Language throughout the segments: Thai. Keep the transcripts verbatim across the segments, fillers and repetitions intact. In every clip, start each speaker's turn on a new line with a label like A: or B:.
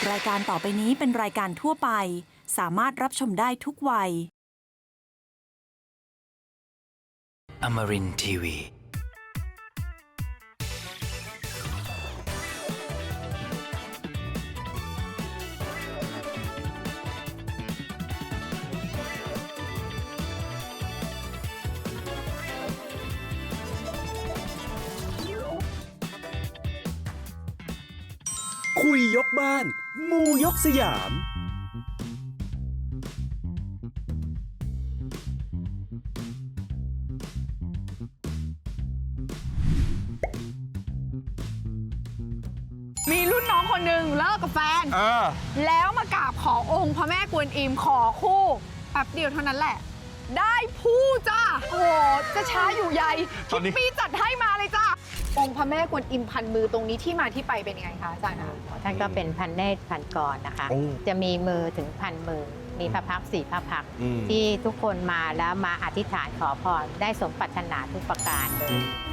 A: รายการต่อไปนี้เป็นรายการทั่วไปสามารถรับชมได้ทุกวัย
B: Amarin ที วี
C: คุยยกบ้านมูยกสยาม
D: มีรุ่นน้องคนหนึ่งเลิกกับแฟน
E: เออ
D: แล้วมากราบขอองค์พระแม่กวนอิมขอคู่แป๊บเดียวเท่านั้นแหละ ได้ผู้จ้าโอ้โหจะช้าอยู่ใหญ่
E: ตอนนี้
D: คิดปีจัดให้มาเลยจ้าองค์พระแม่กวนอิมพันมือตรงนี้ที่มาที่ไปเป็นยังไงคะอาจารย์คะ
F: ท่านก็เป็นพันเนตรพันกรนะคะ จะมีมือถึงพันมือ มีพระพักตร์สี่พระพักตร์
E: อืม
F: ที่ทุกคนมาแล้วมาอธิษฐานขอพรได้สมปรารถนาทุกประการเลย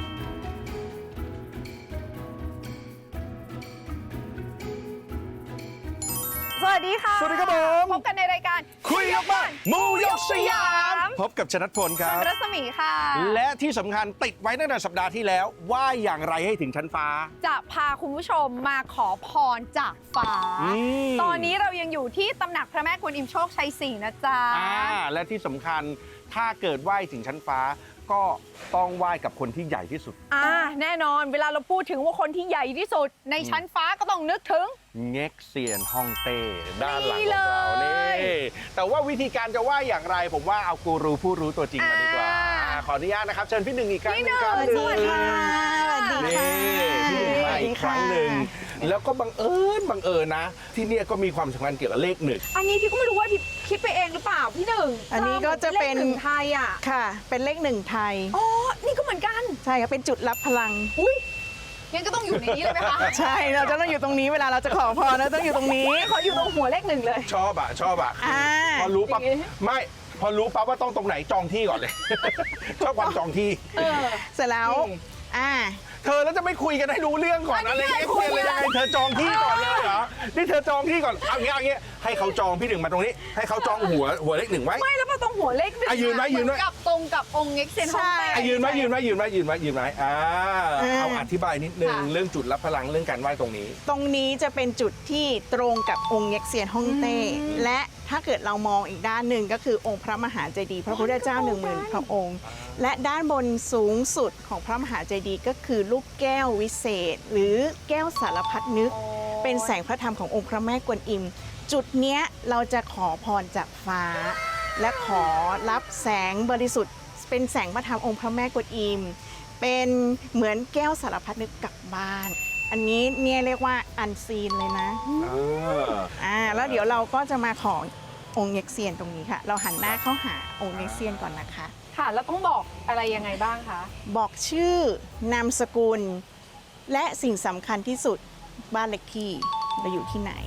D: สวัสดีค่ะ
E: สวัสดีครับผม
D: พบกันในรายการ
E: คุยยกบ้านมูยกสยาม พบกับชนัทพลค
D: ช
E: รับ
D: นรัศมีค่ะ
E: และที่สำคัญติดไว้ตั้งแต่สัปดาห์ที่แล้วว่าอย่างไรให้ถึงชั้นฟ้า
D: จะพาคุณผู้ชมมาขอพรจากฟ้า
E: อืม
D: ตอนนี้เรายังอยู่ที่ตำหนักพระแม่กวนอิมโชคชัยสี่นะจ๊ะ
E: อ่าและที่สำคัญถ้าเกิดไหว้ถึงชั้นฟ้า ก็ต้องไหว้กับคนที่ใหญ่ที่สุด
D: อ่าแน่นอนเวลาเราพูดถึงว่าคนที่ใหญ่ที่สุด ในชั้นฟ้าก็ต้องนึกถึง
E: เง็กเซียนฮ่องเต้ด้านหลัง
D: นี่
E: ของเรา
D: เลย
E: นี่แต่ว่าวิธีการจะไหว้อย่างไร ผมว่าเอากูรูผู้รู้ตัวจริงมาดีกว่า
D: อ่า
E: อ่าขออนุญาตนะครับเชิญพี่หนึ่งอีกครั้ง
D: พี่
E: ห
D: ห
E: นึ่
D: นึ่
E: ง
D: ง
E: ครับ
D: สวัสดีค่ะ
E: นี่พี่หนึ่งมาอีกครั้งหนึ่งแล้วก็บังเอิญบังเอิญนะ ที่เนี่ยก็มีความสำคัญเกี่ยวกับเลขหนึ่ง
D: อันนี้ที่ก็ไม่รู้ว่าที่คิดไปเองหรือเปล่าพี่หนึ่ง
G: อันนี้ก็จะเป็น
D: ลขหนึ่งไทยอ่ะ
G: ค่ะ เป็นเลขหนึ่งไทย
D: อ๋อนี่ก็เหมือนกัน
G: ใช่ค่ะ เป็นจุดรับพลัง
D: อุ้ยงั้นก็ต้องอยู่ในนี้เลยไหมคะ
G: ใช่ เราจะต้องอยู่ตรงนี้เวลาเราจะขอพรเราต้องอยู่ตรงนี้
D: ขออยู่ตรงหัวเลขหนึ่งเลย
E: ชอบอะชอบอะ
G: อ่า
E: พอรู้ปั๊บ
D: อย่างงี้
E: ไม่พอรู้ปั๊บว่าต้องตรงไหนจองที่ก่อนเลย ชอบความจองที่
D: เออ
G: เสร็จแล้ว อ่า
E: เธอแล้วจะไม่คุยกันให้รู้เรื่องก่อน
D: อั
E: อะ
D: น
E: ไร
D: นี้
E: เอ็ก
D: คุ
E: เซี
D: ย
E: ยนเลยยังไงเธอจองที่ก่อนเลยเหรอนี่เธอจองที่ก่อนเอางี้เอางี้ให้เขาจองพี่หนึ่งมาตรงนี้ ให้เขาจองหัวหัวเลขหนึ่งไว้
D: ไม่แล้วพอตรงหัวเลขหนึ่ง
E: อ่ะยืนไว้ยืนไว้
D: เหมือกับตรงกับองค์เอ็กเซนฮ่องเต้
E: อ่ะยืนไว้ยืนไว้ยืนไว้ยืนไว้ยืนไว้อ่า
G: อ่า
E: เอาอธิบายนิดนึง
D: ค่ะ
E: เรื่องจุดรับพลังเรื่องการไหว้ตรงนี้
G: ตรงนี้จะเป็นจุดที่ตรงกับองค์เง็กเซียนฮ่องเต้ และถ้าเกิดเรามองอีกด้านหนึ่งก็คือองค์พระมหาเจดีย์พระพุทธเจ้าหนึ่งหมื่นพระองค์ และด้านบนสูงสุดของพระมหาเจดีย์ก็คือลูกแก้ววิเศษ หรือแก้วสารพัดนึก เป็นแสงพระธรรมขององค์พระแม่กวนอิม จุดเนี้ยเราจะขอพรจากฟ้า และขอรับแสงบริสุทธิ์ เป็นแสงพระธรรมองค์พระแม่กวนอิม เป็นเหมือนแก้วสารพัดนึกกลับบ้าน อันนี้เนี่ยเรียกว่าอันซีนเลยนะ อ่าแล้วเดี๋ยวเราก็จะมาขอองค์เง็กเซียนตรงนี้ค่ะ เราหันหน้าเข้าหาองค์เง็กเซียนก่อนนะคะ
D: ค่ะ แล้วต้องบอกอะไรยังไงบ้างคะ
G: บอกชื่อนามสกุล และสิ่งสำคัญที่สุดบ้านเลขที่เราอยู่ที่ไหน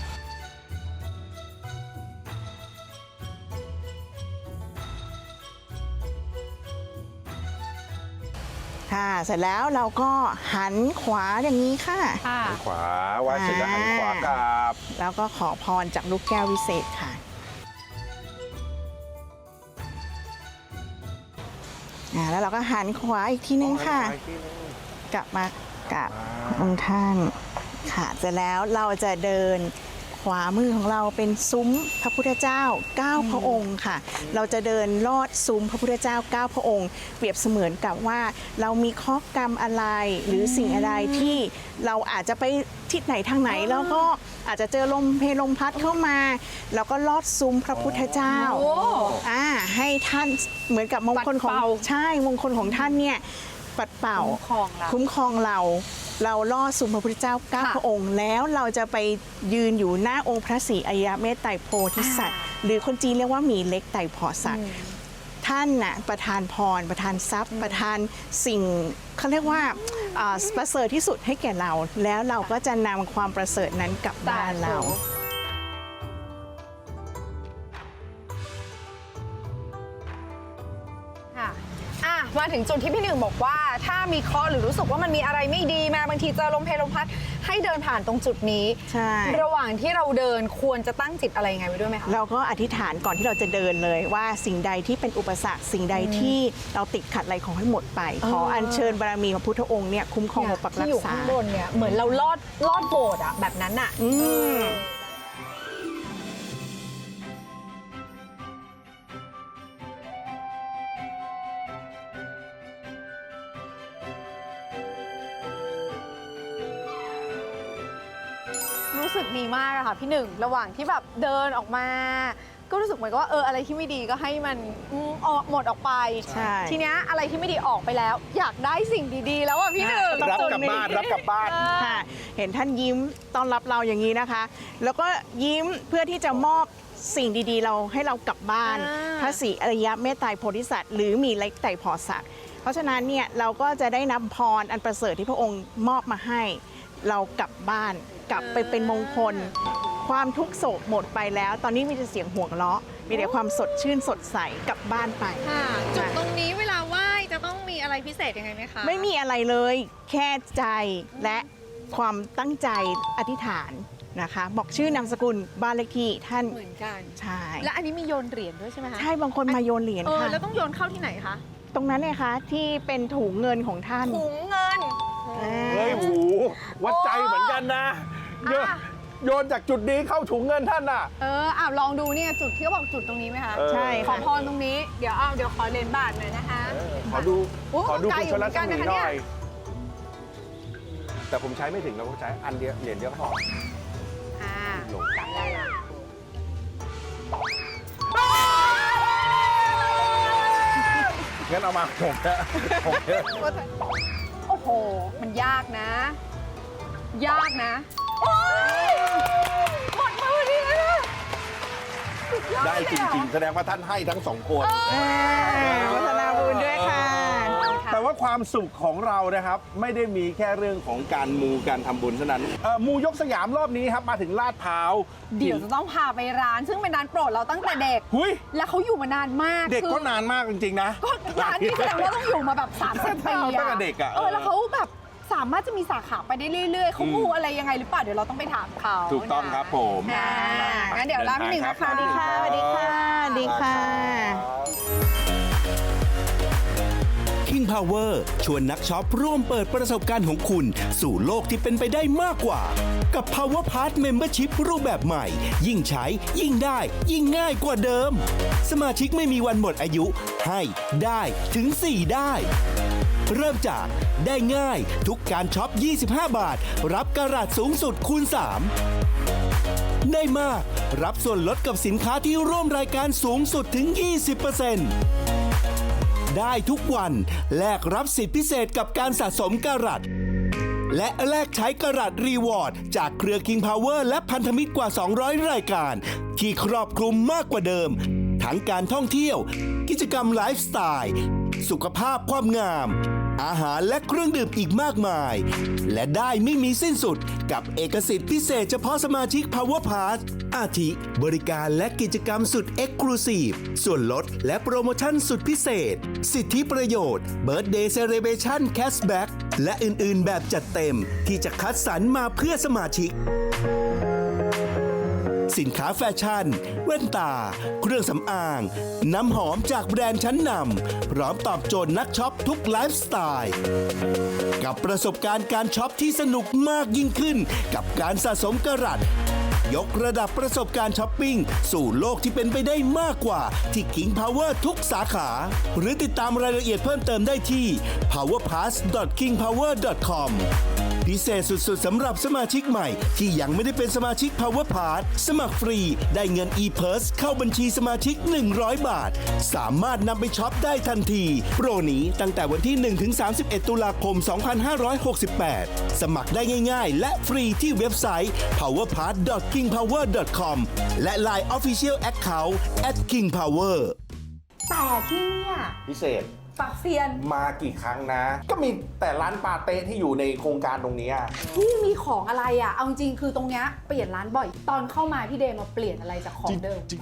G: ค่ะ เสร็จแล้วเราก็หันขวาอย่างนี้ค่ะ
D: ค่ะ
E: หันขวาไหว้เสร็จแล้วหันขวากลับ
G: แล้วก็ขอพรจากลูกแก้ววิเศษค่ะอ่าแล้วเราก็หันขวาอีกทีนึงค่ะ กลับมากับองค์ท่านค่ะเสร็จแล้วเราจะเดินขวามือของเราเป็นซุ้มพระพุทธเจ้าเก้าพระองค์ค่ะ เราจะเดินลอดซุ้มพระพุทธเจ้าเก้าพระองค์ เปรียบเสมือนกับว่าเรามีข้อกรรมอะไรหรือสิ่งอะไรที่เราอาจจะไปทิศไหนทางไหน แล้วก็อาจจะเจอลมเพลลมพัดเข้ามา แล้วก็ลอดซุ้มพระพุทธเจ้า
D: โอ้
G: อ่าให้ท่านเหมือนกับมงคลของ
D: ปัดเป่า
G: ใช่มงคลของท่านเนี่ยปัดเป่า
D: คุ้มครองเรา
G: คุ้มครองเรา เราล่อสุมพระพุทธเจ้าเก้า
D: ค่ะ
G: พระองค์ แล้วเราจะไปยืนอยู่หน้าองค์พระศรีอริยเมตไตรโพธิสัตว์ หรือคนจีนเรียกว่าหมีเล็กไตรพอสัตว์ท่านน่ะประทานพร ประทานทรัพย์ ประทานสิ่งเขาเรียกว่าอ่าประเสริฐที่สุดให้แก่เรา แล้วเราก็จะนำความประเสริฐนั้นกลับบ้านเรา
D: ค่ะอ่ะมาถึงจุดที่พี่หนึ่งบอกว่าถ้ามีเคราะห์หรือรู้สึกว่ามันมีอะไรไม่ดีมาบางทีเจอลมเพลลมพัดให้เดินผ่านตรงจุดนี้
G: ใช่
D: ระหว่างที่เราเดินควรจะตั้งจิตอะไรยังไงไว้ด้วยไหมคะ
G: เราก็อธิษฐานก่อนที่เราจะเดินเลยว่าสิ่งใดที่เป็นอุปสรรคสิ่งใดที่เราติดขัดอะไรขอให้หมดไป
D: เออ
G: ขออัญเชิญบารมีพระพุทธองค์เนี่ยคุ้มครองปกปักรั
D: ที่
G: ก
D: อยู่
G: ษา
D: ข้างบนเนี่ยเหมือนเราลอดลอดโบสถ์อะแบบนั้นอะ
G: อืม
D: รู้สึกดีมากอะค่ะพี่หนึ่งระหว่างที่แบบเดินออกมา ก็รู้สึกเหมือนกับว่าเอออะไรที่ไม่ดีก็ให้มันอืมออกหมดออกไป
G: ใช่
D: ทีเนี้ยอะไรที่ไม่ดีออกไปแล้ว อยากได้สิ่งดีๆ แล้วอะพี่หนึ่ง
E: รับกลับบ้านรับกลับบ้าน
G: ค่ะเห็นท่านยิ้มต้อนรับเราอย่างนี้นะคะ แล้วก็ยิ้มเพื่อที่จะมอบสิ่งดีๆ เราให้เรากลับบ้าน
D: อ่า
G: พระศรีอริยเมตไตรโพธิสัตว์หรือมีเล็กไตรพอสัตว์เพราะฉะนั้นเนี่ยเราก็จะได้นำพรอันประเสริฐที่พระองค์มอบมาให้ เรากลับบ้านกลับไปเป็นมงคล ความทุกข์โศกหมดไปแล้ว ตอนนี้มีแต่เสียงหัวเราะมีแต่ความสดชื่นสดใสกลับบ้านไป
D: ค่ะจุดตรงนี้เวลาไหว้จะต้องมีอะไรพิเศษยังไงไหมคะ
G: ไม่มีอะไรเลยแค่ใจและความตั้งใจอธิษฐานนะคะ บอกชื่อนามสกุลบ้านเลขที่ท่าน
D: เหมือนกัน
G: ใช่
D: และอันนี้มีโยนเหรียญด้วยใช่ไหมคะ
G: ใช่บางคนมาโยนเหรียญ
D: เออ
G: ค่ะ
D: แล้วต้องโยนเข้าที่ไหนคะ
G: ตรงนั้นเนี่ยคะที่เป็นถุงเงินของท่าน
D: ถุงเงิน
E: เฮ้ยหูวัดใจเหมือนกันนะโยน
D: อ่ะ
E: โยนจากจุดนี้เข้าถุงเงินท่านน่ะ
D: เอออ่ะลองดูเนี่ยจุดที่เขาบอกจุดตรงนี้ไหมคะ
E: เออ
G: ใช่
D: ขอ
G: ค่ะ
D: พรตรงนี้เดี๋ยวเอาเดี๋ยวขอเลนบาทหน่อยนะคะ
E: ขอดู
D: โอ้
E: ขอดู
D: ไกล
E: คุณ
D: อยู่
E: ชลรัศมี
D: เหมือนกันนะคะ
E: ห
D: เนี่
E: น่อย ย แต่ผมใช้ไม่ถึงแล้วผมใช้อันเดียวเหรียญเดียวก็พอ
D: อ่า
E: ลง
D: จับได้ละ
E: งั้นเอามาผมนะผมเนี่ย
D: โอ้โห มันยากนะ ยากนะโอ้ยหมดมือดีเลยนะสุยอ
E: ได้จ
D: เลยอะ
E: ริง ๆ แสดงว่าท่านให้ทั้งสองคน
G: อ่าวัฒนาบุญด้วยค่ะ
E: แต่ว่าความสุขของเรานะครับ ไม่ได้มีแค่เรื่องของการมูการทำบุญเท่านั้นเอ่อมูยกสยามรอบนี้ครับมาถึงลาดพร้าว
D: เดี๋ยวจะต้องพาไปร้าน ซึ่งเป็นร้านโปรดเราตั้งแต่เด็ก
E: หุย
D: แล้วเขาอยู่มานานมาก
E: เด็ก
D: คือ
E: ก็นานมากจริง ๆ นะ
D: ก็ร้านนี้แสดงว่าต้องอยู่มาแบบสามสิบปี
E: ตั้ง
D: อะ
E: แต่เด็กอะ
D: เออแล้วเขาแบบสามารถจะมีสาขาไปได้เรื่อยๆเขามูอะไรยังไงหรือเปล่าเดี๋ยวเราต้องไปถามเขา
E: ถูกต้องครับผม
D: อ่างั้นเดี๋ยวร้านพี่หนึ่งนะคะ
G: สวัสดีค่ะสวัสดีค่ะสวัสดีค่ะ
C: King Power ชวนนักช็อปร่วมเปิดประสบการณ์ของคุณสู่โลกที่เป็นไปได้มากกว่า กับ Power Pass Membership รูปแบบใหม่ ยิ่งใช้ ยิ่งได้ ยิ่งง่ายกว่าเดิม สมาชิกไม่มีวันหมดอายุ ให้ได้ถึง สี่ ได้ เริ่มจากได้ง่ายทุกการช็อป ยี่สิบห้า บาท รับกระดาษสูงสุดคูณ สาม ได้มาก รับส่วนลดกับสินค้าที่ร่วมรายการสูงสุดถึง ยี่สิบเปอร์เซ็นต์ ได้ทุกวันแลกรับสิทธิพิเศษกับการสะสมกระดและแลกใช้กระดรีวอร์ดจากเครือ King Power และพันธมิตรกว่า สองร้อย รายการ ที่ครอบคลุมมากกว่าเดิม ทั้งการท่องเที่ยว กิจกรรมไลฟ์สไตล์สุขภาพความงาม อาหารและเครื่องดื่มอีกมากมาย และได้ไม่มีสิ้นสุดกับเอกสิทธิ์พิเศษเฉพาะสมาชิก Power Pass อาทิบริการและกิจกรรมสุด Exclusive ส่วนลดและโปรโมชั่นสุดพิเศษ สิทธิประโยชน์ Birthday Celebration Cashback และอื่นๆ แบบจัดเต็มที่จะคัดสรรมาเพื่อสมาชิก สินค้าแฟชั่น แว่นตา เครื่องสำอาง น้ำหอมจากแบรนด์ชั้นนำพร้อมตอบโจทย์นักช็อปทุกไลฟ์สไตล์ กับประสบการณ์การช็อปที่สนุกมากยิ่งขึ้น กับการสะสมกระดยกระดับประสบการณ์ช้อปปิ้ง สู่โลกที่เป็นไปได้มากกว่าที่ King Power ทุกสาขา หรือติดตามรายละเอียดเพิ่มเติมได้ที่ พาวเวอร์พาส ดอท คิงพาวเวอร์ ดอท คอม พิเศษสุดๆสำหรับสมาชิกใหม่ที่ยังไม่ได้เป็นสมาชิก Power Pass สมัครฟรีได้เงิน e-purse เข้าบัญชีสมาชิก หนึ่งร้อย บาท สามารถนำไปช็อปได้ทันที โปรนี้ตั้งแต่วันที่ หนึ่งถึงสามสิบเอ็ด ตุลาคม สองพันห้าร้อยหกสิบแปด สมัครได้ง่ายๆ และฟรีที่เว็บไซต์ พาวเวอร์พาส ดอท คิงพาวเวอร์ ดอท คอม และ ไลน์ Official Account แอท คิงพาวเวอร์
D: แต่ที่เนี่ย
E: พิเศษ
D: ปักเซียน
E: มากี่ครั้งนะ ก็มีแต่ร้านปาเต้ที่อยู่ในโครงการตรงนี้
D: ที่มีของอะไรอ่ะเอาจริงๆคือตรงเนี้ยเปลี่ยนร้านบ่อย ตอนเข้ามาพี่เดย์มาเปลี่ยนอะไรจากของเดิม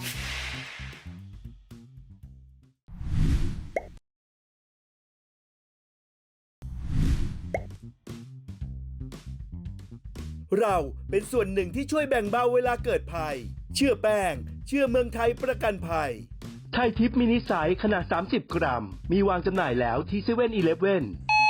C: เราเป็นส่วนหนึ่งที่ช่วยแบ่งเบาเวลาเกิดภัย เชื่อแป้ง เชื่อเมืองไทยประกันภัย ไทยทิปมินิไซส์ขนาด สามสิบ กรัม มีวางจำหน่ายแล้วที่เซเว่นอีเลฟเว่น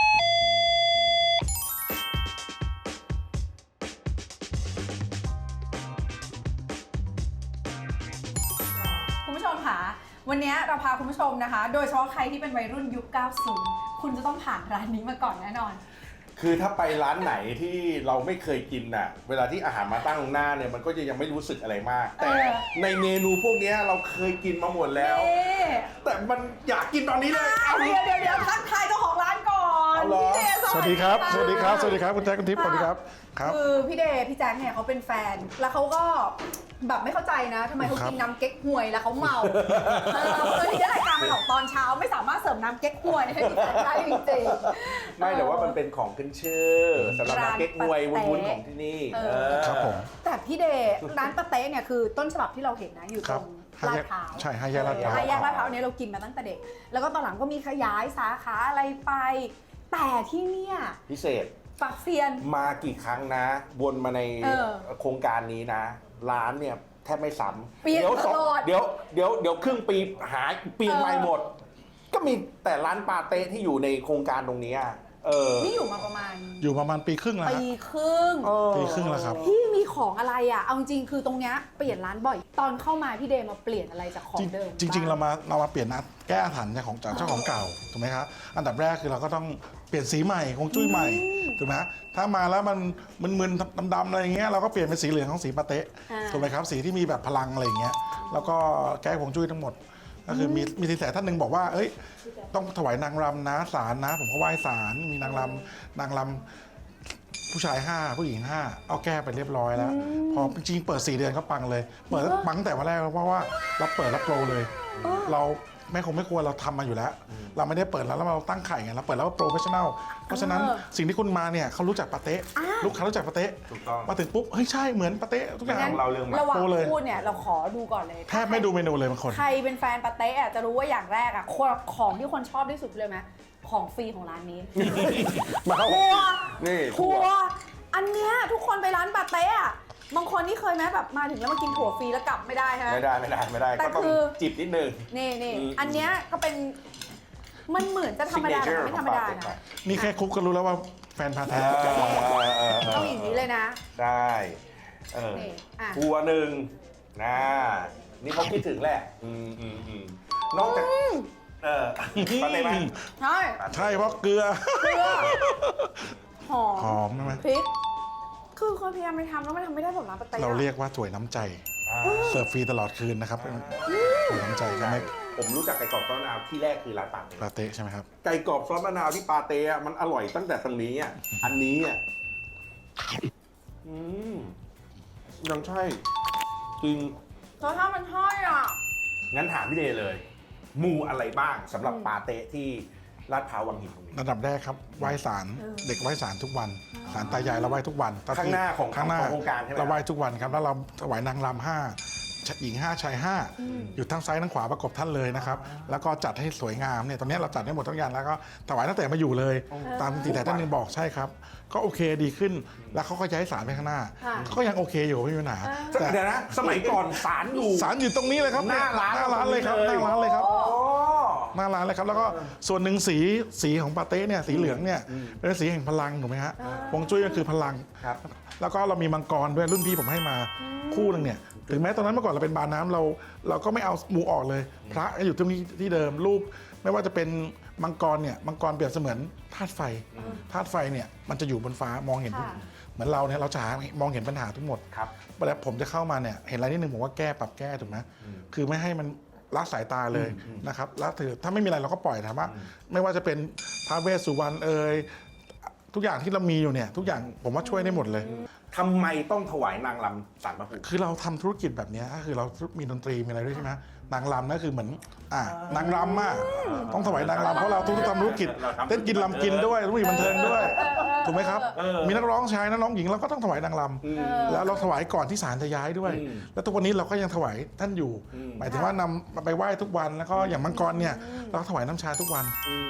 D: คุณผู้ชมค่ะวันนี้เราพาคุณผู้ชมนะคะ โดยเฉพาะใครที่เป็นวัยรุ่นยุค เก้าสิบ คุณจะต้องผ่านร้านนี้มาก่อนแน่นอน
E: คือถ้าไปร้านไหนที่เราไม่เคยกินน่ะ เวลาที่อาหารมาตั้งตรงหน้าเนี่ยมันก็จะยังไม่รู้สึกอะไรมาก แต่
D: เออ
E: ในเมนูพวกเนี้ยเราเคยกินมาหมดแล้ว
D: นี่
E: แต่มันอยากกินตอนนี้เลยเอา
D: เดี๋ยวเดี๋ยวเดี๋ยวทักทายเจ้าของร้านก่อน
E: เอาเหรอ
D: พี่เดย์
H: สวัสดีครับ สวัสดีครับ สวัสดีครับ คุณแจ็คคุณทิพย์สวัสดีครับ ครับ
D: คือพี่เดย์พี่แจ็คเนี่ยเขาเป็นแฟน แล้วเขาก็แบบไม่เข้าใจนะทำไมเขา
H: ครับ
D: กินน้ำเก๊กฮวยแล้วเขาเมาเออคือที่รายการมันออกตอนเช้าไม่สามารถเสิร์ฟน้ำเก๊กฮวยให้พี่แจ็คได้จริงๆ
E: ไม่แต่ว่ามันเป็นของขึ้นชื่อสำหรับร้านเก๊กฮวยวุ้นๆของที่นี่
D: เออ
E: เออ
H: ครับผม
D: แต่พี่เดย์ร้านปาเต้เนี่ยคือต้นฉบับที่เราเห็นนะอยู่
H: ค
D: ต
H: รั
D: ร
H: บ
D: ง
H: ห้า
D: ลา
H: แย
D: ด
H: ก
D: พร้าว
H: ใช่ห้าแยกลาดพร้าว
D: ห้าแยกลาดพร้าวเนี่ยเรากินมาตั้งแต่เด็ก แล้วก็ตอนหลังก็มีขยายสาขาอะไรไป แต่ที่เนี่ย
E: พิเศษ
D: ปักเซียน
E: มากี่ครั้งนะวนมาใน
D: เออ
E: โครงการนี้นะ ร้านเนี่ยแทบไม่ซ้ำ
D: เปลี่ยน
E: ยวสอง
D: ตลอด
E: เดี๋ยวเดี๋ยวเดี๋ยวครึ่งปีหายเปลี่ยน
D: เออ
E: ใหม่หมด ก็มีแต่ร้านปาเต้ที่อยู่ในโครงการตรงนี้อะเออ
D: นี่อยู่มาประมาณ
H: อยู่ประมาณปีครึ่งแล้ว
D: ปี
H: ฮะ
D: ครึ่ง
E: เออ
H: ปีครึ่งแล้วครับ
D: พี่มีของอะไรอ่ะ เอาจริงๆคือตรงเนี้ยเปลี่ยนร้านบ่อย ตอนเข้ามาพี่เดย์มาเปลี่ยนอะไรจากของเดิม
H: จริงจริง ๆ เรา
D: บ้
H: มาเรามาเปลี่ยนนะแก้อาถรรพ์จากของจากเจ้าของเก่าถูกไหมครับอันดับแรกคือเราก็ต้องเปลี่ยนสีใหม่คงจุ้ยใหม่ถูกไหมฮะถ้ามาแล้วมันมึนๆดำๆอะไรอย่างเงี้ยเราก็เปลี่ยนเป็นสีเหลืองของสีปาเต้ถูกไหมครับสีที่มีแบบพลังอะไรอย่างเงี้ยแล้วก็แก้คงจุ้ยทั้งหมดก็คือมีมีสินแสท่านหนึ่งบอกว่าเอ้ยต้องถวายนางรำนะศาลนะ ผมก็ไหว้ศาลมีนางรำนางรำผู้ชายห้าผู้หญิงห้าเอาแก้ไปเรียบร้อยแล้ว พอจริงๆเปิดสี่เดือนก็ปังเลยเปิดปังตั้งแต่วันแรกแล้วเพราะว่าเราเปิดรับโปรเลย เราไม่คงไม่ควรเราทำมาอยู่แล้ว เราไม่ได้เปิดแล้วแล้วเราตั้งไข่ไงเราเปิดแล้วว่าโปรเฟชชั่นแนลเพราะฉะนั้นสิ่งที่คุณมาเนี่ยเขารู้จักปาเต้ลูกค้ารู้จักปาเต้
E: ถูกต้อง
H: มาถึงปุ๊บเฮ้ยใช่เหมือนปาเต้ทุกอย่าง
E: งั้น เราเรื่องมา
D: ระหว่าง
H: โตเลย
D: พูดเนี่ยเราขอดูก่อนเลย
H: แทบไม่ดูเมนูเลยบางคน
D: ใครเป็นแฟนปาเต้อะจะรู้ว่าอย่างแรกอะของที่คนชอบที่สุดเลยไหมของฟรีของร้านนี้
E: มาเข้า
D: ทัวร์
E: นี่
D: ทัวร์อันเนี้ยทุกคนไปร้านปาเต้อะบางคนนี่เคยไหมแบบมาถึงแล้วมากินถั่วฟรีแล้วกลับไม่ได้ฮะ
E: ไม่ได้ไม่ได้ไม่ได้
D: แต่
E: ก็ต้อง
D: คือ
E: จิบนิดนึง
D: นี่นี่
E: อืม
D: อันเนี้ยก็เป็นมันเหมือนจะธรรมดาแต่
E: Signature
D: ไม่ธรรมดา
E: ของปาเต้
D: นะ
H: นี่แค่คุกก็รู้แล้วว่าแฟนพา
E: เอ
H: แท้
E: อเออเออเออ
D: เอาอย่างนี้เลยนะ
E: ได้เออ
D: นี่อ่ะ
E: ทัวร์หนึ่งนะนี่เขาคิดถึงแหละอืมอืมอืมนอกจากเออปาเต้ไหม
D: ใช่
H: ใช่เพราะเกลือ
D: เกลือหอ
H: ห
D: ม
H: อมใช่ไหม
D: พริกคือคนพยายามไปทำแล้วมันทำไม่ได้แบบร้านปาเต้อะ
H: เราเรียกว่าถ้วยน้ำใจ
E: อ่า
H: เสิร์ฟฟรีตลอดคืนนะครับถ้วยน้ำใจใช่ไหม
E: ผมรู้จักไก่กรอบซอสมะนาวที่แรกคือร้านปาเต้
H: ปาเต้ใช่ไหมครับ
E: ไก่กรอบซอสมะนาวที่ปาเต้อะมันอร่อยตั้งแต่ตรงนี้อ่ะอันนี้อ่ะอืมยังใช่จริง
D: รสชาติมันใช่อ่ะ
E: งั้นถามพี่เดย์เลย มูอะไรบ้างสำหรับปาเต้ที่ลาดพร้าววังหินตรงนี้
H: ระดับแรกครับไหว้ศาลเด็กไหว้ศาลทุกวันศาลตายายเราไหว้ทุกวัน
E: ข้างหน้าของ
H: ข้างหน้า
E: ของโครงการใช่ไหม
H: เราไหว้ทุกวันครับแล้วเราถวายนางรำห้าหญิงห้าชายห้าอยู่ทั้งซ้ายทั้งขวาประกบท่านเลยนะครับแล้วก็จัดให้สวยงามเนี่ยตอนนี้เราจัดได้หมดทุกอย่างแล้วก็ถวายตั้งแต่มาอยู่เลย ตามที่แต่ท่านหนึงบอกใช่ครับ ก็โอเคดีขึ้นแล้วเขาก็ย้ายศาลไปข้างหน้า
D: ค่ะ
H: ก็ยังโอเคอยู่ไม่มีปัญหาแต่
E: เดี๋ยวนะ สมัยก่อนศาลอยู่
H: ศาลอยู่ตรงนี้เลยครับ
E: หน้าร้าน
H: หน้าร้านเลยครับหน้าร้านเลยครับ
E: โอ้
H: หน้าร้านเลยครับแล้วก็ส่วนหนึ่งสีสีของปาเต้เนี่ยสีเหลืองเนี่ยเป็นสีแห่งพลังถูกไหมฮะฮวงจุ้ยก็คือพลัง
E: ครับ
H: แล้วก็เรามีมังกรด้วยรุ่นพี่ผมให้มาคู่หนึงเนี่ยถึงแม้ตอนนั้นเมื่อก่อนเราเป็นบาร์น้ำเราเราก็ไม่เอาหมูออกเลย พระอยู่ตรงนี้ที่เดิมรูปไม่ว่าจะเป็นมังกรเนี่ยมังกรเปรียบเสมือนธาตุไฟธาตุไฟเนี่ยมันจะอยู่บนฟ้ามองเห็นทุก
D: ค่ะ
H: เหมือนเราเนี่ยเราจะหามองเห็นปัญหาทั้งหมด
E: ครับ
H: เวลาผมจะเข้ามาเนี่ยเห็นอะไรนิดนึงผมว่าแก้ปรับแก้ถูกไหมคือไม่ให้มันละสายตาเลยนะครับละถือถ้าไม่มีอะไรเราก็ปล่อยถามว่า ไม่ว่าจะเป็นท้าวเวสสุวรรณเอ่ยทุกอย่างที่เรามีอยู่เนี่ยทุกอย่างผมว่าช่วยได้หมดเลย
E: ทำไมต้องถวายนางรำสารพระภูมิ
H: คือเราทำธุรกิจแบบเนี้ยก็คือเรามีดนตรีมีอะไรด้วยใช่ไหมนางรำนั่นคือเหมือนอ่านางรำอ่ะต้องถวายนางรำเพราะเราทุกทำธุรกิจเต้นกินรำกินด้วยธุรกิจบันเทิงด้วยถูกไหมครับมีนักร้องชายนักร้องหญิงเราก็ต้องถวายนางรำแล้วเราถวายก่อนที่ศาลจะย้ายด้วย แล้วทุกวันนี้เราก็ยังถวายท่านอยู่ หมายถึงว่านำไปไหว้ทุกวันแล้วก็อย่างมังกรเนี่ยเราก็ถวายน้ำชาทุกวัน
E: อืม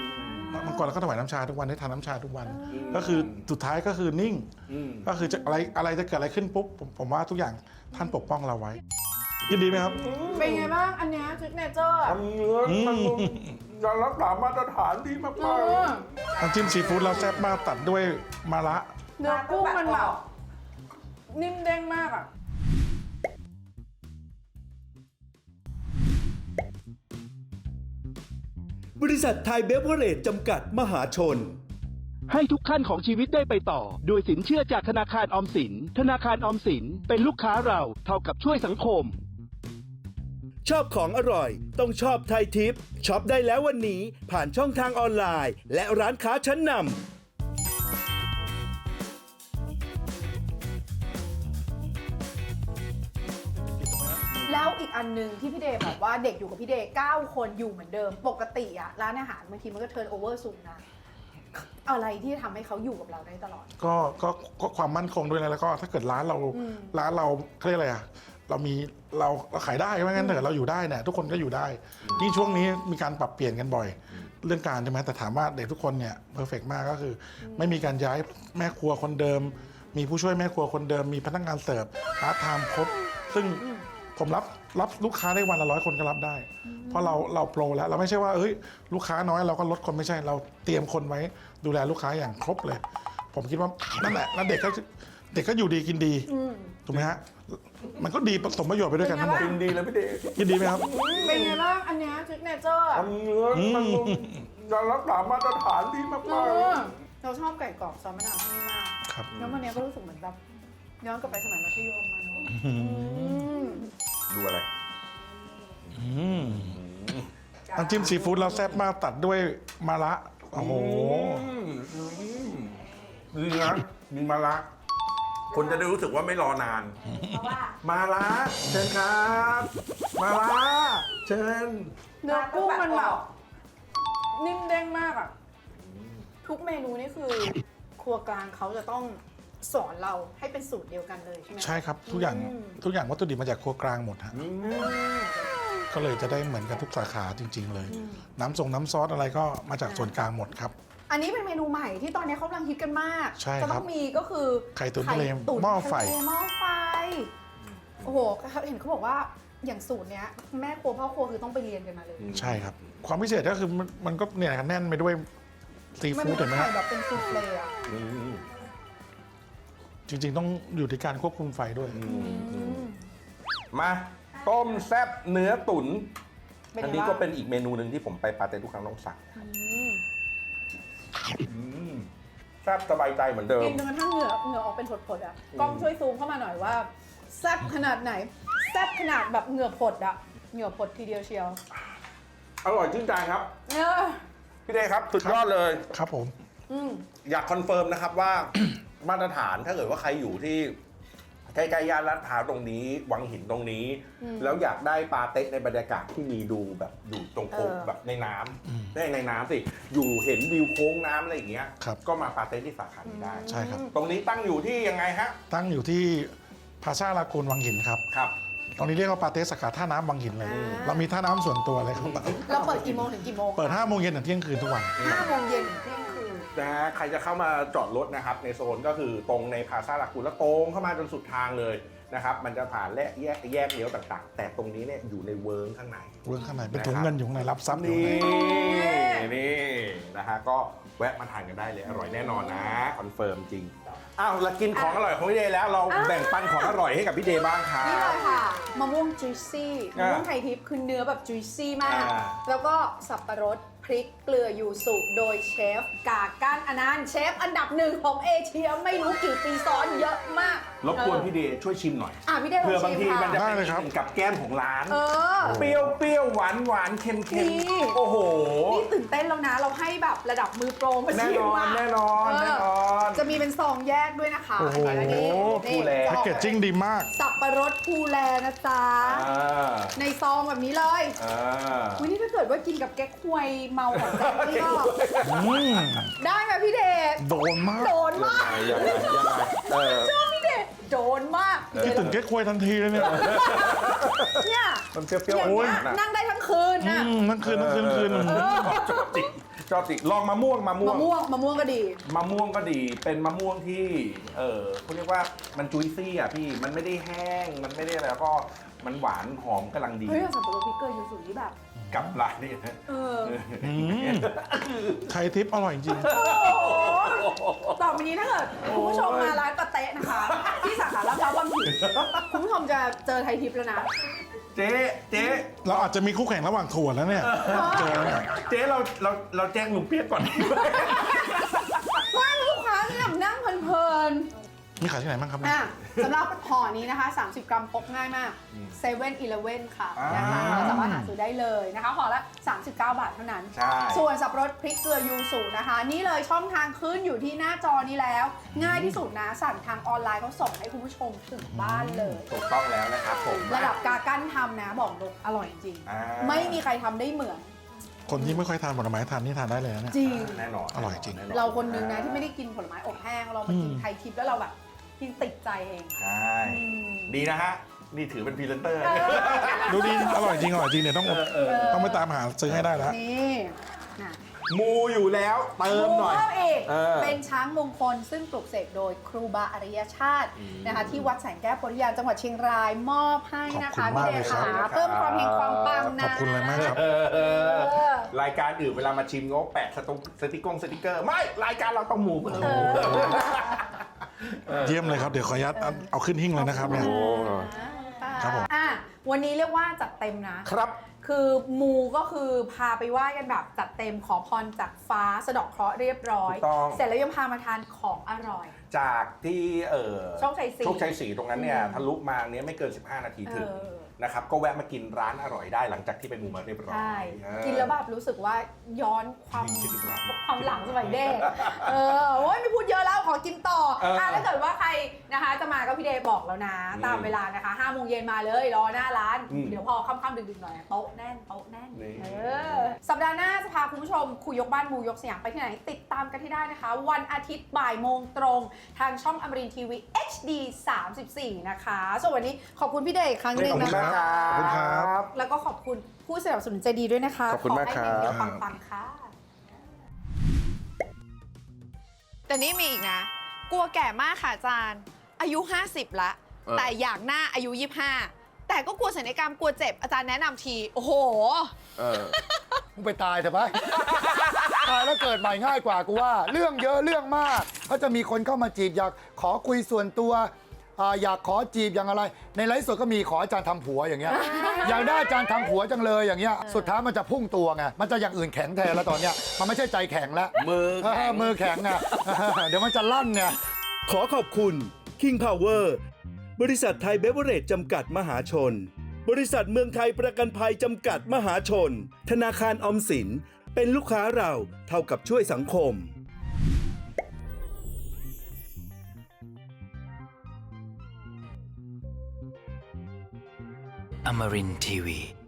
H: เมื่อก่อนเราก็ถวายน้ำชาทุกวันได้ทานน้ำชาทุกวัน ก็คือสุดท้ายก็คือนิ่ง ก็คือจะอะไรอะไรจะเกิดอะไรขึ้นปุ๊บผมผมว่าทุกอย่างท่านปกป้องเราไว้ยินดีไหมครับ
D: เป็นไงบ้างอันเนี้ยซิกเนเจอร์
E: ทำเนื้อมันยังรักษามาตรฐานที่มาก
D: เออ
H: น้ำจิ้มซีฟู้ดเราแซ่บมากตัดด้วยมะระ
D: เนื้อกุ้งมันแบบนิ่มเด้งมากอ่ะ
C: บริษัทไทยเบเวอร์เรจจำกัดมหาชน
I: ให้ทุกขั้นของชีวิตได้ไปต่อ โดยสินเชื่อจากธนาคารออมสิน ธนาคารออมสินเป็นลูกค้าเราเท่ากับช่วยสังคม
C: ชอบของอร่อย ต้องชอบไทยทิปช็อปได้แล้ววันนี้ผ่านช่องทางออนไลน์ และร้านค้าชั้นนำ
D: แล้วอีกอันหนึ่งที่พี่เดย์บอกว่าเด็กอยู่กับพี่เดย์เก้าคนอยู่เหมือนเดิม ปกติอะร้านอาหารบางทีมันก็เทิร์นโอเวอร์สูงนะ อะไรที่ทำให้เขาอยู่กับเราได้ตลอด
H: ก็ก็ก็ความมั่นคงด้วยนะแล้วก็ถ้าเกิดร้านเรา
D: อืม
H: ร้านเราเขาเรียกอะไรอ่ะเรามีเราเราขายได้ไม่งั้นเถอะเราอยู่ได้เนี่ยทุกคนก็อยู่ได้ยิ่งช่วงนี้มีการปรับเปลี่ยนกันบ่อย เรื่องการใช่ไหมแต่ถามว่าเด็กทุกคนเนี่ยเพอร์เฟกต์มากก็คือ ไม่มีการย้ายแม่ครัวคนเดิม มีผู้ช่วยแม่ครัวคนเดิมมีพนักงานเสิร์ฟพาร์ทไทม์ครบซึ่งผมรับรับลูกค้าได้วันละร้อยคนก็รับได้ เพราะเราเราโปรแล้วเราไม่ใช่ว่าเอ้ยลูกค้าน้อยเราก็ลดคนไม่ใช่เราเตรียมคนไว้ดูแลลูกค้าอย่างครบเลย ผมคิดว่านั่นแหละแล้วเด็กก็เด็กก็อยู่ดีกินดีถูกไหมฮะมันก็ดีผสมประโยชน์ไปด้วยกันทั้งหมด
E: ๆกินดีเลยพี่เดช
H: ยินดีไหมครับ
D: เป็นไงบ้างอันเนี้ยซิกเนเจอร์
E: ทำเนื้อมันยังรักษามาตรฐานที่มาก
D: เออเราชอบไก่กรอบซอสมะนาวที่นี่มาก
H: ครับ
D: แล้ววันเนี้ยก็รู้สึกเหมือนแบบย้อนกลับไปสมัยมัธยมมาเนอะอืม
E: ๆดูอะไร
H: น้ำจิ้มซีฟู้ดเราแซ่บมากตัดด้วยมะระโอ้โห
E: ดีนะมีมาละคนจะได้รู้สึกว่าไม่รอนาน มาละเชิญครับ มาละเชิญ
D: เนื้อกุ้งมันแบบนิ่มเด้งมากอ่ะ ทุกเมนูนี่คือ ครัวกลางเขาจะต้องสอนเราให้เป็นสูตรเดียวกันเลยใช่ไหม
H: ใช่ครับทุกอย่าง
D: อืม
H: ทุกอย่างวัตถุดิบมาจากครัวกลางหมดฮะก็เลยจะได้เหมือนกันทุกสาขาจริง ๆ เลย น้ำทรงน้ำซอสอะไรก็มาจากส่วนกลางหมดครับ
D: อันนี้เป็นเมนูใหม่ที่ตอนนี้เขากำลังฮิตกันมาก
H: ใช่
D: จะ
H: ครั
D: ต้
H: บ
D: องมีก็คือ
H: ไข่ตุ๋นทะเล
D: ตุ๋น
H: หม้อไฟ
D: ทะเลหม้อไฟ โอ้โห เห็นเขาบอกว่าอย่างสูตรเนี้ยแม่ครัวพ่อครัวคือต้องไปเรียนกันมาเลย
H: ใช่ครับ ความพิเศษก็คือมันมันก็เนี่ยแน่นไปด้วยซี
D: มัน
H: ฟู้ด
D: เป็
H: เห็
D: น
H: นไหม
D: ไข่
H: ฮะ
D: แบบเป็นซูเฟ่อะ
H: จริง ๆ ต้องอยู่ที่การควบคุมไฟด้วย
E: มาต้มแซ่บเนื้อตุ๋น
D: เป็น
E: อัน
D: ไง
E: นี้
D: บ้าง
E: ก็เป็นอีกเมนูหนึ่งที่ผมไปปาเต้ทุกครั้งต้องสั่ง
D: อืม
E: อืมแซ่บสบายใจเหมือนเดิม
D: กินจนกระทั่งเหงื่อเหงื่อออกเป็นผดๆอ่ะกล้องช่วยซูมเข้ามาหน่อยว่าแซ่บขนาดไหนแซ่บขนาดแบบเหงื่อผดอ่ะเหงื่อผดทีเดียวเชียว
E: อร่อยชื่นใจครับ
D: เออ
E: พี่เดชครับ สุดยอดเลย
H: ครับผม
D: อืม
E: อยากคอนเฟิร์มนะครับว่า มาตรฐานถ้าเกิดว่าใครอยู่ที่ใกล้ๆย่านลาดพร้าวตรงนี้ วังหินตรงนี้ แล้วอยากได้ปาเต้ในบรรยากาศที่มีดูแบบอยู่ตรงโค้ง
D: เออ
E: แบบในน้ำไม่ในน้ำสิอยู่เห็นวิวโค้งน้ำอะไรอย่างเงี้ย
H: ครับ
E: ก็มาปาเต้ที่สาขานี้ได้
H: ใช่ครับ
E: ตรงนี้ตั้งอยู่ที่ยังไงฮะ
H: ตั้งอยู่ที่พาซาลากูนวังหินครับ
E: ครับ
H: ตรงนี้เรียกว่าปาเต้สาขาท่าน้ำวังหินเลย เรามีท่าน้ำส่วนตัวเลยครับ
D: เราเปิดกี่โมงถึงกี่โมง
H: เปิดห้าโมงเย็นถึงเที่ยงคืนทุกวัน
D: ห้าโมงเย็นถึงเที่ยงคืน
E: นะฮะใครจะเข้ามาจอดรถนะครับในโซนก็คือตรงในพาซาลากูนแล้วตรงเข้ามาจนสุดทางเลยนะครับมันจะผ่านและแยกแยกเลี้ยวต่างๆ แต่ตรงนี้เนี่ยอยู่ในเวิร์งข้างใน
H: เรื่องข้างในเป็นถุงเงินอยู่ข้างในรับทรัพย์อยู่
E: นี่
H: ข้างใน
E: นี่นะฮะก็แวะมาทานกันได้เลยอร่อยแน่นอนนะคอนเฟิร์มจริงอ้าวเรากินของอร่อยของพี่เดย์แล้วเรา
D: อ่ะ
E: แบ่งปันของอร่อยให้กับพี่เดย์บ้างครับ
D: นี่เลยค่ะมะม่วงจุยซี่มะ
E: อ่า
D: ม่วงไทยทิพย์คือเนื้อแบบจุยซี่มาก
E: อ่า
D: แล้วก็สับปะรดพริกเกลือยูสุโดยเชฟกาก้านอนันต์เชฟอันดับหนึ่งของเอเชียไม่รู้กี่ปีซ้อนเยอะมาก
E: รบกวนพี่เดย์ช่วยชิมหน่อย
D: อ่ะพี่เดย์ลอง
E: เพื่อบาง
D: ชิม
E: ทีมันจะ
D: ค่ะ
E: เป็นอีกหนึ่งกับแก้มของร้าน
D: เออ
E: เปรี้ยวเปรี้ยวหวานหวานเค็มเค็ม
D: นี่
E: โอ้โห
D: นี่ตื่นเต้นแล้วนะ เราให้แบบระดับมือโปรมา
E: แน่
D: ชิ
E: น
D: ม
E: อน
D: อ่ะ
E: แน่นอน
D: เออ
E: แน่นอน
D: จะมีเป็นซองแยกด้วยนะคะ
H: โอ้โห
D: อันนี้
E: ภูแล
H: แพ็กเกจจิ้งดีมาก
D: สับปะรดภูแลนะจ๊ะ
E: อ่า
D: ในซองแบบนี้เลย
E: อ่า
D: วันนี้ถ้าเกิดว่ากินกับแก๊กควยเมาของแจ๊คนี่ก็
H: อืม
D: ได้ไหมพี่เดช
H: โดนมาก
D: โดนมาก
E: ยังไงยังไงเออ
D: ชอบพี่เดชโดนมาก
H: คิดถึงเก๊กควยทันทีเลยเนี่ย
D: เนี่ย
E: มันเปรี้ยวๆ
D: อย่าง
E: ห
D: เงี้
E: วาย นๆอ่ะ
D: นั่งได้ทั้งคืน
H: อื
D: นะ
H: มนั่งคืนนั่งคืนนั่งคืน
E: ชอบจริงชอบติลองมะม่วงมะม่ว
D: มะ
E: ง
D: ม่วงมะม่วงก็ดี
E: มะม่วงก็ดีเป็นมะม่วงที่เออเขาเรียกว่ามันจุยซี่อ่ะพี่มันไม่ได้แห้งมันไม่ได้อะไรแล้วก็มันหวานหอมกำลังดี
D: เฮ้ยสับปะรดพริกเกลือยูสุนี่แบบ
E: กับร้านนี้นะ
D: เออ
H: อืมไทยทิปอร่อยจริง
D: โอ้โหต่อไปนี้ถ้าเกิดคุณผู้ชมมาร้านปาเต๊ะนะคะ ที่สาขาลาดพร้าวบางผิดคุณผู้ชมจะเจอไทยทิพย์แล้วนะ
E: เจ๊เจ๊
H: เราอาจจะมีคู่แข่งระหว่างถั่วแล้วเนี่ยเจอเนี่ย
E: เจ๊เราเราเราแจ้งลุงเปี๊ยกก่อน
D: ว่าลูกค้าที่แบบนั่งเพลิน
H: มีขายที่ไหนบ้างครับ
D: ๆ
H: เนี่ย
D: อ่ะสำหรับห่อนี้นะคะ สามสิบ กรัมพกง่ายมากเซเว่นอีเลฟเว่นค่ะ
E: อ่าน
D: นะคะเราสามารถหาซื้อได้เลยนะคะห่อละ สามสิบเก้า บาทเท่านั้น
E: ใช่
D: ส่วนสับปะรดพริกเกลือยูสุนะคะ นี่เลยช่องทางขึ้นอยู่ที่หน้าจอนี้แล้ว ง่ายที่สุดนะสั่งทางออนไลน์เขาส่งให้คุณผู้ชมถึงบ้านเลย
E: ถูกต้องแล้วนะครับผม
D: ระดับกากั้นทำนะบอกเลยอร่อยจริง
E: อ่า
D: ไม่มีใครทำได้เหมือน
H: คนที่ไม่ค่อยทานผลไม้ทานนี่ทานได้เลยนะเนี่ย
D: จริง
E: แน่นอน
H: อร่อยจริง
E: แน
D: เราคนนึงนะที่ไม่ได้กินผลไม้อบแห้งเรามากิน
H: อืม
D: ไทยทิพย์แล้วเราแบบกินติดใจเอง
E: ใช่
D: อืม
E: ดีนะฮะ นี่ถือเป็นพรีเซนเตอร์
H: ดูดีอร่อยจริงอร่อยจริงเนี่ยต้องต้องไปตามหาซื้อให้ได้แล้ว
D: นี่นะ
E: มูอยู่แล้วเติมหน่อย
D: เพิ่มอีก
E: เออ
D: เป็นช้างมงคลซึ่งปลูกเสกโดยครูบาอริยชาตินะคะที่วัดแสงแก้วโพธิญาณจังหวัดเชียงรายมอบให้นะคะ
H: ขอบคุณมาก
D: พี่เด
H: เลย
D: ช
H: ครับ
D: ขาเพิ่มความเฮงความปังนะ
H: ขอบคุณเลยมากครับ
E: เออเออ
D: เออ
E: รายการอื่นเวลามาชิมก็แปะสตงสติกกงสติกเกอร์ ไม่ รายการเราต้องหมูเพิ่ม
H: เยี่ยมเลยครับเดี๋ยวขออนุญาตเอาเอาขึ้นหิ้งเลยนะครับเนี่ย ครับผม
D: อ่ะวันนี้เรียกว่าจัดเต็มนะ
E: ครับ
D: คือมูก็คือพาไปไหว้กันแบบจัดเต็มขอพรจากฟ้าสะเดาะเคราะห์เรียบร้อย
E: ถูกต้อง
D: เสร็จแล้วยังพามาทานของอร่อย
E: จากที่เออ
D: โชคชัยศรี
E: โชคชัยศรีตรงนั้นเนี่ย
D: อืม
E: ทะลุมาเนี้ยไม่เกิน สิบห้า นาทีถึง
D: เออ
E: นะครับ ก็แวะมากินร้านอร่อยได้หลังจากที่ไปมูมาเรียบร้อย
D: ใช่
E: เออ
D: กินแล้วแบบรู้สึกว่าย้อนความ
E: คิดถึงเรา
D: ความหลังสมัยเด็กเออโอ้ยไม่พูดเยอะแล้วขอกินต่อ
E: เอออ่
D: อ่ะถ้าเกิดว่าใครนะคะจะมาก็พี่เดย์บอกแล้วนะ
E: อืม
D: ตามเวลานะคะห้าโมงเย็นมาเลยรอหน้าร้าน
E: อืม
D: เดี๋ยวพอค่ำๆดึกๆหน่อยโต๊ะแน่นโต๊ะแน่น
E: นี่
D: เออสัปดาห์หน้าจะพาคุณผู้ชมคุยยกบ้านมูยกสยามไปที่ไหน ติดตามกันที่ได้นะคะ วันอาทิตย์บ่ายโมงตรง ทางช่องอมรินทร์ทีวี เอช ดี สามสิบสี่ นะคะส่วนวันนี้ขอบคุณพี่เดย์อีกครั้งหนึ่ง
E: ขอบคุ
D: นะ
E: ณมาก
D: คะ
E: ครับ
H: ขอบคุณครับ
D: แล้วก็ขอบคุณผู้สนับสนุนใจดีด้วยนะคะ
E: ขอบคุณมาก
D: ให้
E: ครับ
D: เดี๋ยวปังๆค่ะ
J: แต่นี่มีอีกนะ กลัวแก่มากค่ะอาจารย์ อายุ ห้าสิบละ แต่อยากหน้าอายุ ยี่สิบห้า แต่ก็กลัวศัลยกรรมกลัวเจ็บอาจารย์แนะนำที โอ้โห
K: เออมึงไปตายเถอะไป ตายแล้วเกิดใหม่ง่ายกว่ากูว่า เรื่องเยอะเรื่องมากก็จะมีคนเข้ามาจีบอยากขอคุยส่วนตัวอ่าอยากขอจีบอย่างอะไร ในไลฟ์สดก็มีขออาจารย์ทำผัวอย่างเงี้ย อยากได้อาจารย์ทำผัวจังเลยอย่างเงี้ยสุดท้ายมันจะพุ่งตัวไงมันจะอย่างอื่นแข็งแทนแล้วตอนเนี้ยมันไม่ใช่ใจแข็งแล้ว
E: มือ
K: เออมือแข็งไง เดี๋ยวมันจะลั่นไง
C: ขอขอบคุณ King Power บริษัทไทยเบเวอเรจจำกัดมหาชน บริษัทเมืองไทยประกันภัยจำกัดมหาชน ธนาคารออมสิน เป็นลูกค้าเราเท่ากับช่วยสังคม
B: Amarin Tiwi.